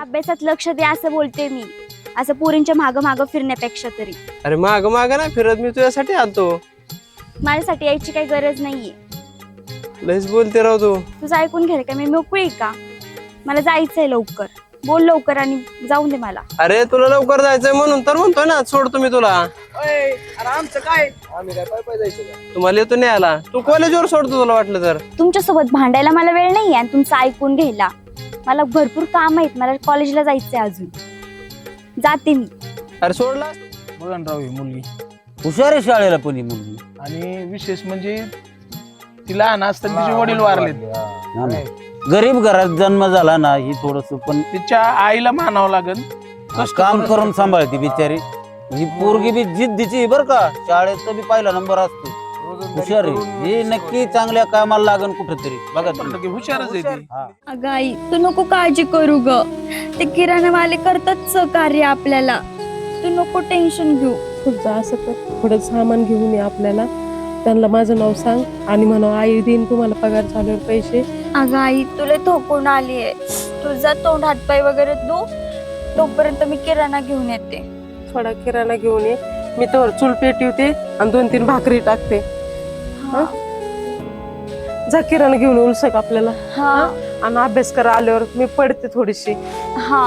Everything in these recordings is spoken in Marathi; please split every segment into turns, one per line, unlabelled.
अभ्यासात लक्ष दे असं बोलते मी, असं पोरींच्या मागं मागं फिरण्यापेक्षा तरी.
अरे माग माग नाही फिरत, मी तुझ्यासाठी आलतो.
माझ्यासाठी यायची काही गरज नाहीये.
लयच बोलते राव तू.
तुझं ऐकून घ्याल का? मी मोकळी आहे का? मला जायचंय लवकर. बोल लवकर आणि जाऊन दे मला.
अरे तुला लवकर जायचंय म्हणून तर म्हणतोय ना, सोडतो मी तुला.
अरे आमचं काय, आम्ही काय पाय पाय जायचं का?
तुम्हाला येतो नाही आला, तू कॉलेजवर सोडतो तुला वाटलं तर.
तुमच्यासोबत भांडायला मला वेळ नाहीये आणि तुमचं ऐकून घ्यायला. मला भरपूर काम आहेत, मला कॉलेजला जायचंय अजून. जाते मी.
अरे सोडला.
बघा ना राव, ही मुलगी
हुशार आहे शाळेला पण ही मुलगी.
आणि विशेष म्हणजे ती लहान असताना तिचे वडील वारलेत.
हा ना. गरीब घरात जन्म झाला ना, ही थोडस पण
तिच्या आईला मानावं लागेल.
काम करून सांभाळते बिचारी. ही पोरगी बी जिद्दीची बर का, शाळेत बी पहिला नंबर असतो. हुशार आहे ही, नक्की चांगल्या कामाला लागन कुठेतरी. बघा तुम्ही.
हुशारच आहे ती.
अगं आई, तू नको काळजी करू ग. ते किराणावाले करतात सहकार्य आपल्याला. तू नको टेन्शन घेऊ.
पुढचं असं कर, थोडं सामान घेऊन ये आपल्याला. त्यांना माझं नाव सांग आणि म्हणा आई देईन तुम्हाला पगार झाल्यावर पैसे.
अगं आई, तुला थोकून आलीये. तुझा तोंड हातपाय वगैरे धु, तोपर्यंत मी किराणा घेऊन येते.
थोडा किराणा घेऊन ये. मी तर चूल पेटवते आणि 2-3 भाकरी टाकते. जा किराणा घेऊन उलसक आपल्याला.
हा
आणि अभ्यास करा, आल्यावर मी पडते थोडीशी.
हा.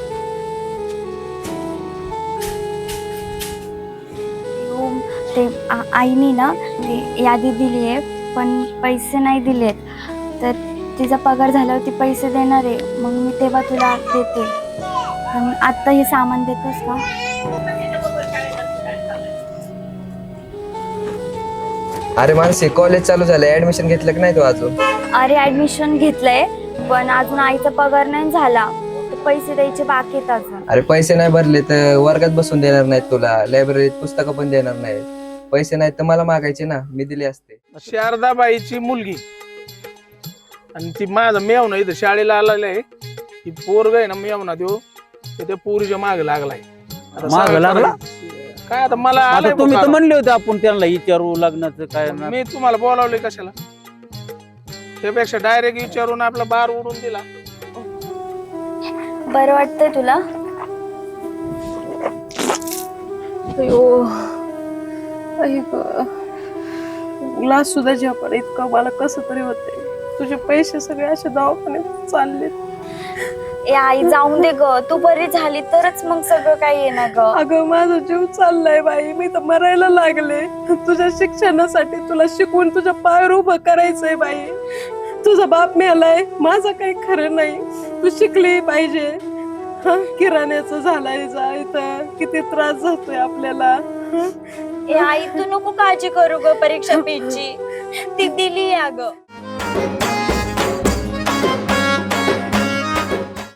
ते आईने ना ती यादी दिली आहे, पण पैसे नाही दिलेत. तर तिचा पगार झाल्यावर ती पैसे देणार आहे, मग मी तेव्हा तुला देते. पण आत्ता हे सामान देतोस का?
अरे मानसी, कॉलेज चालू झालंय, ऍडमिशन घेतलं की नाही तू अजून?
अरे ऍडमिशन घेतलंय, पण अजून आईचा पगार नाही झाला. तर पैसे द्यायचे बाकी आहेत अजून.
अरे पैसे नाही भरले तर वर्गात बसून देणार नाहीत तुला, लायब्ररीत पुस्तकं पण देणार नाहीत. पैसे नाहीत तर मला मागायचे ना, मी दिले असते.
शारदाबाईची मुलगी आणि ती माझा मेवना इथं शाळेला आलेला आहे. ती पोरग आहे ना मेवना देऊ, त्या पोरीच्या माग लागलाय. आता
मागं
सगळं
लागला?
काय आता मला
आता
आलंय
तुम्ही तर
बुखार.
म्हणले होते आपण त्यांना विचारू लग्नाचं काय ना.
मी तुम्हाला बोलावले कशाला? त्यापेक्षा डायरेक्ट विचारून आपला बार उडून दिला.
बरं वाटतंय तुला?
अयो ग्लास सुद्धा झेपड इतकं मला कसं तरी होतंय. तुझे पैसे सगळे असे दवाखान्यात चालले.
ए आई, जाऊन दे ग. तू बरी झाली तरच मग सगळं काही येणार ग.
अगं माझा जीव चाललाय बाई, मी तर मरायला लागले. तुझ्या शिक्षणासाठी तुला शिकवून तुझ्या पायावर उभं करायचंय बाई. तुझा बाप मेलाय, माझं काही खरं नाही. तू शिकली पाहिजे. किराण्याचं झालाय जायचं, किती त्रास होतोय आपल्याला.
ए आई, तू नको काळजी करू ग परीक्षा फीची. ती दिली अगं.